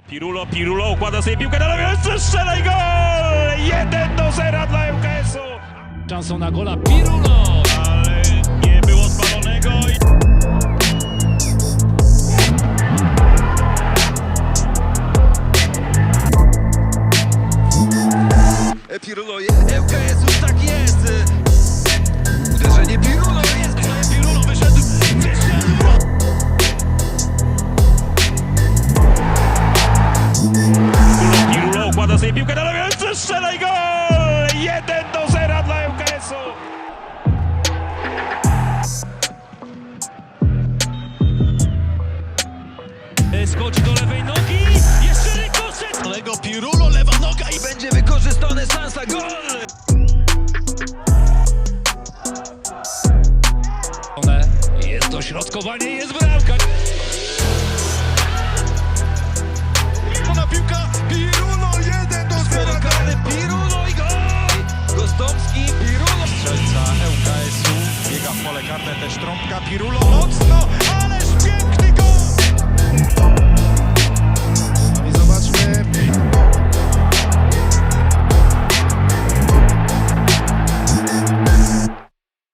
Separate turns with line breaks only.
Pirulo układa sobie piłkę na lewo, strzela i gol! 1-0 dla ŁKS-u.
Szansą na gola Pirulo!
Ale nie było spalonego.
Pirulo, ŁKS już tak jest. Uderzenie Pirulo jest.
Pirulo wyszedł. Pirulo układa sobie piłkę na lewo, strzela i gol! 1-0 dla ŁKS-u.
Skoczy do lewej nogi, jeszcze rykoszet!
Kolego Pirulo, lewa noga i będzie wykorzystana szansa, gol!
Jest dośrodkowanie, jest bramka!
Ona piłka, Pirulo, 1-0! Karny Pirulo i gol! Gostomski, Pirulo!
Strzelca ŁKS-u biega w pole karne, też trąbka Pirulo.